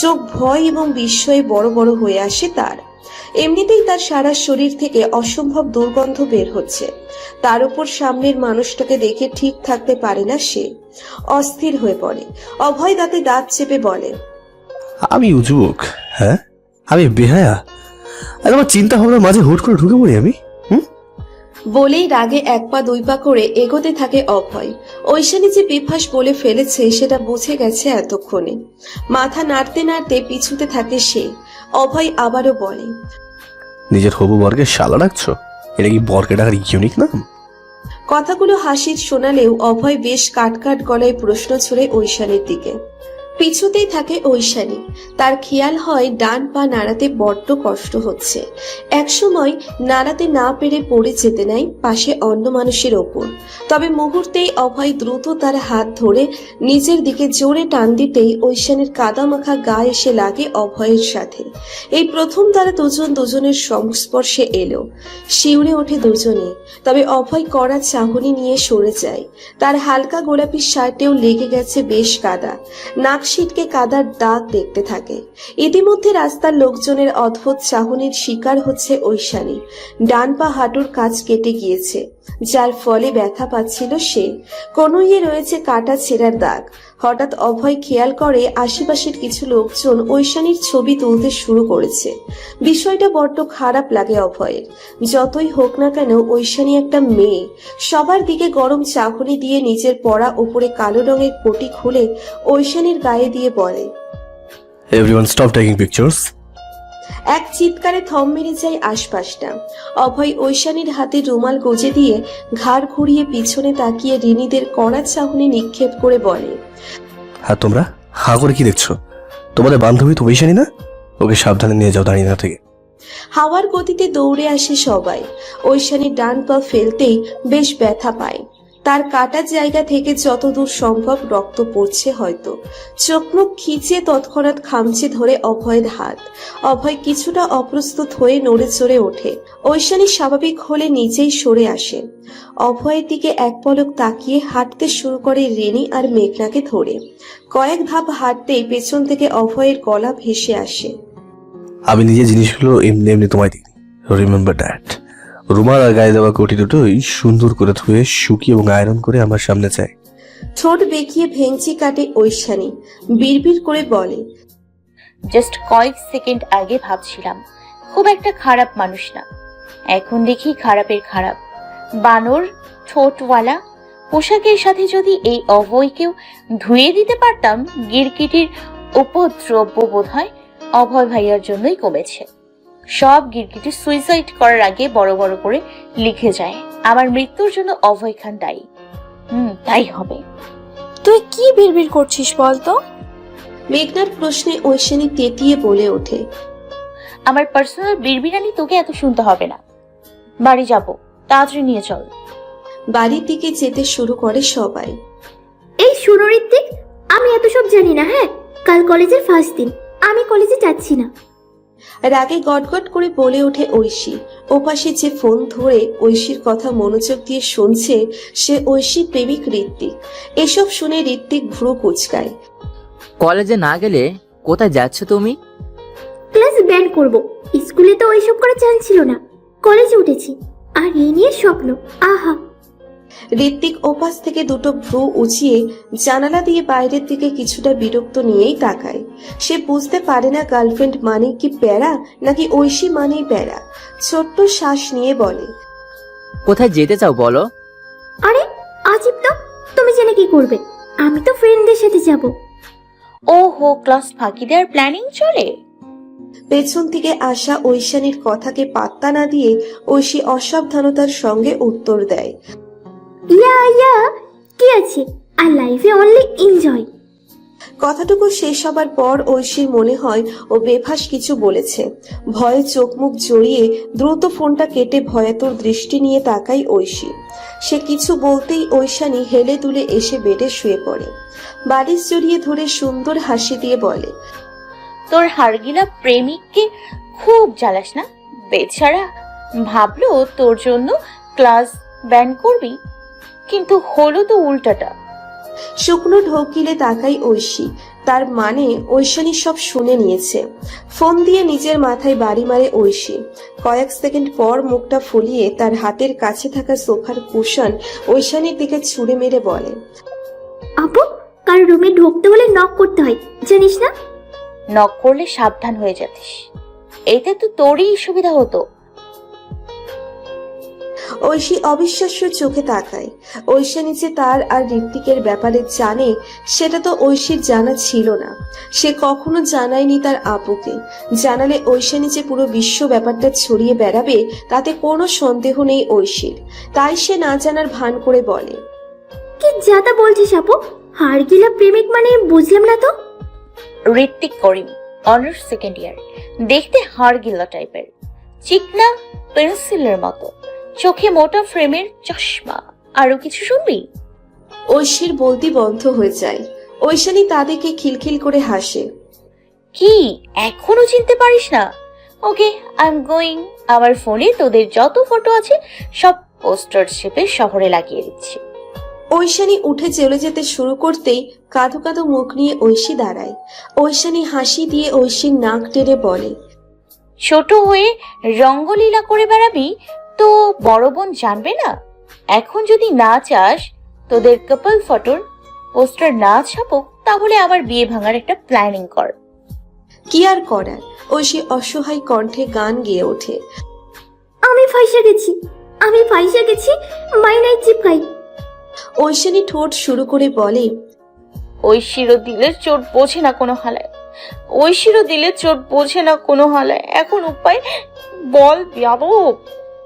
চোখ ভয় এবং বিস্ময়ে বড় বড় হয়ে আসে তার। এমনিতেই তার সারা শরীর থেকে অসম্ভব দুর্গন্ধ বের হচ্ছে, তার উপর সামনের মানুষটাকে দেখে ঠিক থাকতে পারে না সে, অস্থির হয়ে পড়ে। অভয় দাঁতে দাঁত চেপে বলে, আমি উজবুক? হ্যাঁ, আমি বেহায়া? আর আমার চিন্তা ভাবনার মাঝে হুট করে ঢুকে পড়ি আমি? বলেই রাগে এক পা দুই পা করে এগোতে থাকে অভয়। ঐশানী যে বিভাস বলে ফেলেছে সেটা বুঝে গেছে এতক্ষণে। মাথা নাড়তে নাড়তে পিছুতে থাকে সে। অভয় আবারও বলে, নিজের হবু বরকে শালা ডাকছো? এটা কি বরকে ডাকার ইউনিক নাম? কথাগুলো হাসির শোনালেও অভয় বেশ কাটকাট গলায় প্রশ্ন ছুড়ে ঐশানীর দিকে। পিছুতেই থাকে ঐশানী। তার খেয়াল হয় ডান পা নাড়াতে বড্ড কষ্ট হচ্ছে। একসময় নাড়াতে না পেরে পড়ে যেতে নাই পাশে অন্য মানুষের ওপর। তবে মুহূর্তেই অভয় দ্রুত তার হাত ধরে নিজের দিকে জোরে টান দিতেই ঐশানীর কাদামাখা গা এসে লাগে অভয়ের সাথে। এই প্রথম তারা দুজন দুজনের সংস্পর্শে এলো। শিউরে ওঠে দুজনে। তবে অভয় কড়া চাহনি নিয়ে সরে যায়। তার হালকা গোলাপি শার্টেও লেগে গেছে বেশ কাদা। নাক ছিটকে কাদার দাগ দেখতে থাকে। ইতিমধ্যে রাস্তার লোকজনের অদ্ভুত চাহনির শিকার হচ্ছে ঐশানী। ডান পা হাঁটুর কাছ কেটে গিয়েছে, যার ফলে ব্যথা পাচ্ছিল সে। কনুইয়ে রয়েছে কাটা ছেঁড়ার দাগ। হঠাৎ অভয় খেয়াল করে আশেপাশের কিছু লোকজন ঐশানীর ছবি তুলতে শুরু করেছে। বিষয়টা বড্ড খারাপ লাগে অভয়ের। যতই হোক না কেন ঐশানী একটা মেয়ে। সবার দিকে গরম চাহনি দিয়ে নিজের পরা উপরে কালো রঙের কোটি খুলে ঐশানীর গায়ে দিয়ে বলে, এভরিওয়ান স্টপ টেকিং পিকচার্স। এক চিৎকারে থম মেরে যায় আশপাশটা। অভয় ঐশানীর হাতে রুমাল গজে দিয়ে ঘাড় ঘুরিয়ে পিছনে তাকিয়ে রিনিদের কড়া চাহনি নিক্ষেপ করে বলে, হ্যাঁ, তোমরা হা করে কি দেখছো? তোমাদের বান্ধবী তো ঐশানী না? ওকে সাবধানে নিয়ে যাও দাঁড়িয়ে না থেকে। হাওয়ার গতিতে দৌড়ে আসে সবাই। ঐশানীর ডান পা ফেলতেই বেশ ব্যথা পায়। তার কাটা জায়গা থেকে যতদূর সম্ভব রক্ত পড়ছে হয়তো। চোখ মুখ খিচিয়ে তৎক্ষণাৎ খামচে ধরে অভয়ের হাত। অভয় কিছুটা অপ্রস্তুত হয়ে নড়ে চড়ে ওঠে। ঐশানী স্বাভাবিক হলে নিচেই সরে আসে। অভয়ের দিকে এক পলক তাকিয়ে হাঁটতে শুরু করে রেনি আর মেঘনাকে ধরে। কয়েক ধাপ হাঁটতেই পেছন থেকে অভয়ের গলা ভেসে আসে, আমি নিজের জিনিসগুলো এমনি এমনি তোমায় দিই, রিমেম্বার দ্যাট। রুমাল আর গায়ে দেওয়া কোটি দুটোই সুন্দর করে ধুয়ে শুকিয়ে এবং আয়রন করে আমার সামনে চাই। ঠোঁট বেঁকিয়ে ভেঙচি কাটে ঐশানী। বিড়বিড় করে বলে, জাস্ট কয়েক সেকেন্ড আগে ভাবছিলাম খুব একটা খারাপ মানুষ না, এখন দেখি খারাপের খারাপ। বানর ঠোঁটওয়ালা পোশাকের সাথে যদি এই অভয়কেও ধুয়ে দিতে পারতাম, গিরগিটির উপদ্রব্য বোধ হয় অভয় ভাইয়ার জন্যই কমেছে। সব গিরগিটি সুইসাইড করার আগে বড় বড় করে লিখে যায় আমার মৃত্যুর জন্য অভয় খান দায়ী। তাই হবে। তুই কি বিড়বিড় করছিস বলতো? মেঘনার প্রশ্নে ঐশানী তেতিয়ে বলে ওঠে, আমার পার্সোনাল বিড়বিড়ানি তোকে এত শুনতে হবে না। বাড়ি যাব, তাড়াতাড়ি নিয়ে চল। বাড়ির দিকে যেতে শুরু করে সবাই। এই শুনো ঋত্বিক, আমি এত সব জানি না। হ্যাঁ, কাল কলেজের ফার্স্ট দিন, আমি কলেজে যাচ্ছি না। রাগে গটগট করে বলে ওঠে ঐশী। ওপাশে যে ফোন ধরে ঐশীর কথা মনোযোগ দিয়ে শুনছে সে ঐশীর প্রেমিক ঋত্বিক। এসব শুনে ঋত্বিক ভ্রু কুচকায়। কলেজে না গেলে কোথায় যাচ্ছ তুমি? ক্লাস ব্যান্ড করব। স্কুলে তো ওইসব করার চান্স ছিল না, কলেজে উঠেছি। আর এই নিয়ে স্বপ্ন। আহা। ঋত্বিক ওপাশ থেকে দুটো ভ্রু উঁচিয়ে জানালা দিয়ে বাইরের দিকে কিছুটা বিরক্ত নিয়েই তাকায়। সে বুঝতে পারে না গার্লফ্রেন্ড মানে কি প্যারা নাকি ঐশী মানেই প্যারা। ছোট্ট শ্বাস নিয়ে বলে, কোথায় যেতে চাও বলো? আরে আজিব তো, তুমি জেনে কি করবে? আমি তো ফ্রেন্ডদের সাথে যাব। ওহো, ক্লাস ফাঁকি দেওয়ার প্ল্যানিং চলে? পেছন থেকে আসা ঐশানীর কথাকে পাত্তা না দিয়ে ঐশী অসাবধানতার সঙ্গে উত্তর দেয়, ইয়া কি আছে, আর লাইফে অনলি এনজয়। কথাটুকু শেষ হবার পর ঐশীর মনে হয় ও বেফাস কিছু বলেছে। ভয়ে চোখ মুখ জড়িয়ে দ্রুত ফোনটা কেটে ভয়াতুর দৃষ্টি নিয়ে তাকায় ঐশী। সে কিছু বলতেই ঐশানী হেলে দুলে এসে বেডে শুয়ে পড়ে। বালিশ জড়িয়ে ধরে সুন্দর হাসি দিয়ে বলে, তোর হারগিলা প্রেমিককে খুব জ্বালাস না বেচারা। ভাবলো তোর জন্য ক্লাস ব্যান্ড করবি, কিন্তু হলো তো উল্টাটা। শুকনো ঢোক গিলে তাকাই ঐশী। তার মানে ঐশানী সব শুনে নিয়েছে। ফোন দিয়ে নিজের মাথায় বাড়ি মারে ঐশী। কয়েক সেকেন্ড পর মুখটা ফুলিয়ে তার হাতের কাছে থাকা সোফার কুশন ঐশানীর দিকে ছুঁড়ে মেরে বলে, আপু, কার রুমে ঢুকতে হলে নক করতে হয়, জানিস না? নক করলে সাবধান হয়ে যাতিস, এতে তো তোরই সুবিধা হতো। ঐশী অবিশ্বাস্য চোখে তাকায়। ঐশানী যে তার আর ঋত্বিকের ব্যাপারে জানে সেটা তো ঐশীর জানা ছিল না। সে কখনো জানায়নি তার আপুকে। জানালে ঐশানী যে পুরো বিশ্ব ব্যাপারটা ছড়িয়ে বেড়াবে তাতে কোনো সন্দেহ নেই ঐশীর। তাই সে না জানার ভান করে বলে, কি যাতা বলছিস আপু? হাড়গিলা প্রেমিক মানে বুঝলাম না তো। Ritwik Karim, honours second year, দেখতে হাড়গিল্লা টাইপের, চিকনা পেন্সিলের মতো, চোখে মোটা ফ্রেমের চশমা। আরো কিছু শুনবি? ঐশীর বলতি বন্ধ হয়ে যায়। ঐশানী তাদেরকে খিলখিল করে হাসে। কি এখনো চিনতে পারিস না? Okay, I am going. আমার ফোনে তোদের যত ফটো আছে সব পোস্টার শেপে শহরে লাগিয়ে দিচ্ছি। ঐশানী উঠে চলে যেতে শুরু করতেই কাঁদো কাঁদো মুখ নিয়ে ঐশী দাঁড়ায়। ঐশানী হাসি দিয়ে ঐশীর নাক টেনে বলে, ছোট হয়ে রঙ্গলীলা করে বেড়াবি তো বড় বোন জানবে না? এখন যদি না চাস তোদের কাপল ফটোর পোস্টার না ছাপুক, তাহলে আবার বিয়ে ভাঙার একটা প্ল্যানিং কর। কি আর করার। ঐশী অসহায় কণ্ঠে গান গেয়ে ওঠে। আমি ফাইসা গেছি, আমি ফাইসা গেছি, মাইনাই চিপকাই। ঐশানী ঠোঁট শুরু করে বলে, ঐশীরও দিলের চোট বোঝে না কোনো হালায়, ঐশীরও দিলের চোট বোঝে না কোনো হালায়। এখন উপায় বল বিয়াদব।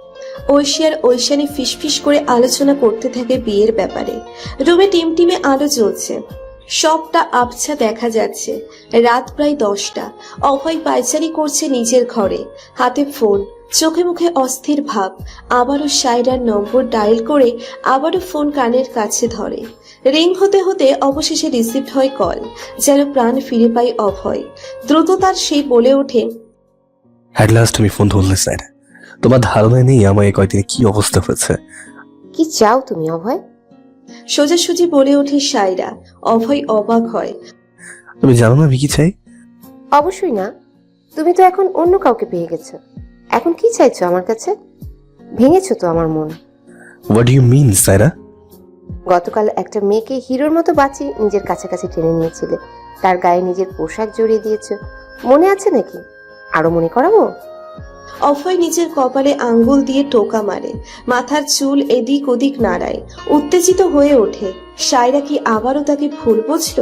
ঐশী আর ঐশানী ফিসফিস করে আলোচনা করতে থাকে বিয়ের ব্যাপারে। রুমে টিমটিমে আলো জ্বলছে, সবটা আবছা দেখা যাচ্ছে। রাত প্রায় 10টা। অভয় পায়চারি করছে নিজের ঘরে, হাতে ফোন, চোখে মুখে অস্থির ভাব। আবারও সায়রার নম্বর ডায়াল করে আবারও ফোন কানের কাছে ধরে। রিং হতে হতে অবশেষে রিসিভ হয় কল। যেন প্রাণ ফিরে পায় অভয়। দ্রুত তার সেই বলে ওঠে, অ্যাট লাস্ট তুমি ফোন ধরলে স্যার। তোমার ধারণা নেই আমার এই কয়দিনে কি অবস্থা হয়েছে। কি চাও তুমি অভয়? সোজাসুজি বলে ওঠে সায়রা। অভয় অবাক হয়। তুমি জানো না আমি কি চাই? অবশ্যই না, তুমি তো এখন অন্য কাউকে পেয়ে গেছো। এখন কি চাইছো আমার কাছে? ভেঙেছো তো আমার মন। What do you mean Saira? গতকাল একটা মেয়েকে হিরোর মতো বাঁচিয়ে নিজের কাছাকাছি টেনে নিয়েছিলে, তার গায়ে নিজের পোশাক জড়িয়ে দিয়েছো। মনে আছে নাকি? আরো মনে করাবো? অভয় নিজের কপালে আঙ্গুল দিয়ে টোকা মারে, মাথার চুল এদিক ওদিক নাড়ায়, উত্তেজিত হয়ে ওঠে। সায়রা কি আবারও তাকে ভুল বুঝলো?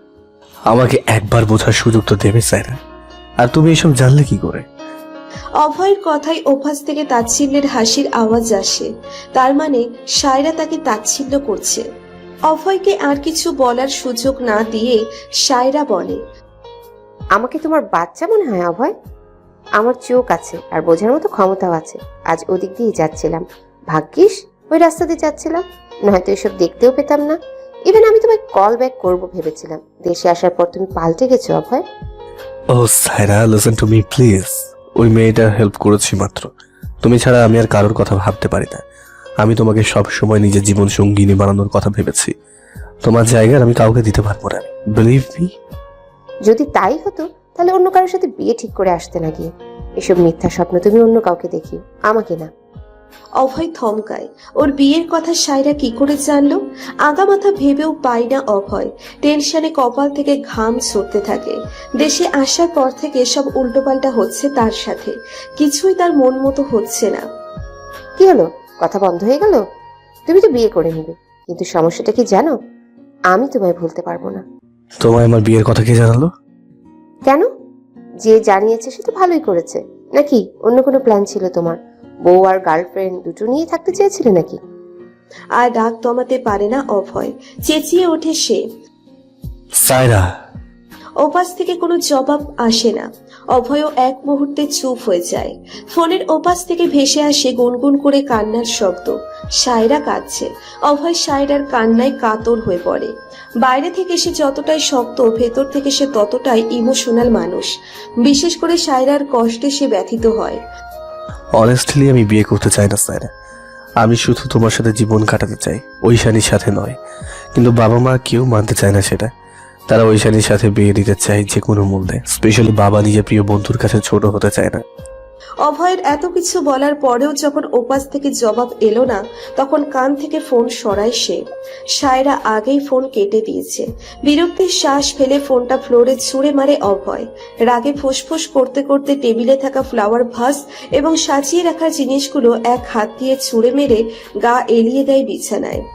আমাকে একবার বোঝার সুযোগ তো দেবে সায়রা। আর তুমি এসব জানলে কি করে? অভয়ের কথায় অভ্যাস থেকে তাচ্ছিল্যের হাসির আওয়াজ আসে। তার মানে সায়রা তাকে তাচ্ছিল্য করছে। অভয়কে আর কিছু বলার সুযোগ না দিয়ে সায়রা বলে, আমাকে তোমার বাচ্চা মনে হয় অভয়? আমার চোখ আছে আর বোঝার মতো ক্ষমতাও আছে। আজ ওদিক দিয়ে যাচ্ছিলাম, ভাগ্যিস ওই রাস্তা দিয়ে যাচ্ছিলাম, নয়তো এসব দেখতেও পেতাম না। ইভেন আমি তোমায় কল ব্যাক করবো ভেবেছিলাম। দেশে আসার পর তুমি পাল্টে গেছো অভয়। ও Saira, listen to me please. ওই মেয়েটার হেল্প করেছি মাত্র। তুমি ছাড়া আমি আর কারোর কথা ভাবতে পারি না। আমি তোমাকে সব সময় নিজের জীবন সঙ্গিনী বানানোর কথা ভেবেছি। তোমার জায়গার আমি কাউকে দিতে পারবো না, বিলিভ মি। যদি তাই হতো তাহলে অন্য কারোর সাথে বিয়ে ঠিক করে আসতে না গিয়ে। এসব মিথ্যা স্বপ্ন তুমি অন্য কাউকে দেখি, আমাকে না। অভয় থমকায়। ওর বিয়ের কথা সায়রা কি করে জানলো? আগামাথা ভেবেও পায় না অভয়। টেনশনে কপাল থেকে ঘাম ঝরতে থাকে। দেশে আসার পর থেকে সব উল্টোপাল্টা হচ্ছে তার সাথে। কিছুই তার মন মতো হচ্ছে না। কি হলো, কথা বন্ধ হয়ে গেল? তুমি তো বিয়ে করে নিবে, কিন্তু সমস্যাটা কি জানো? আমি তোমায় ভুলতে পারবো না। তোমায় আমার বিয়ের কথা কে জানালো? কেন? যে জানিয়েছে সে তো ভালোই করেছে। নাকি অন্য কোনো প্ল্যান ছিল তোমার? বউ আর গার্লফ্রেন্ড দুটো নিয়ে থাকতে চেয়েছিলে নাকি? আর রাগ দমাতে পারে না অভয়। চেঁচিয়ে ওঠে সে। সায়রা। ওপাশ থেকে কোনো জবাব আসে না। অভয়ও এক মুহূর্তে চুপ হয়ে যায়। ফোনের ওপাশ থেকে ভেসে আসে গুনগুন করে কান্নার শব্দ। সায়রা কাঁদছে। অভয় সায়রার কান্নায় কাতর হয়ে পড়ে। বাইরে থেকে সে যতটাই শক্ত, ভেতর থেকে সে ততটাই ইমোশনাল মানুষ। বিশেষ করে সায়রার কষ্টে সে ব্যথিত হয়। অনেস্টলি আমি বিয়ে করতে চাই না সায়রা। আমি শুধু তোমার সাথে জীবন কাটাতে চাই, ঐশানীর সাথে নয়। কিন্তু বাবা মা কেউ মানতে চায় না সেটা। তারা ঐশানীর সাথে বিয়ে দিতে চায় যে কোনো মূল্যে। স্পেশালি বাবা নিজের প্রিয় বন্ধুর কাছে ছোট হতে চায় না। অভয়ের এত কিছু বলার পরেও যখন ওপাশ থেকে জবাব এলো না, তখন কান থেকে ফোন সরায় সে। সায়রা আগেই ফোন কেটে দিয়েছে। বিরক্তির শ্বাস ফেলে ফোনটা ফ্লোরে ছুঁড়ে মারে অভয়। রাগে ফুসফুস করতে করতে টেবিলে থাকা ফ্লাওয়ার ভাস এবং সাজিয়ে রাখার জিনিসগুলো এক হাত দিয়ে ছুঁড়ে মেরে গা এলিয়ে দেয় বিছানায়।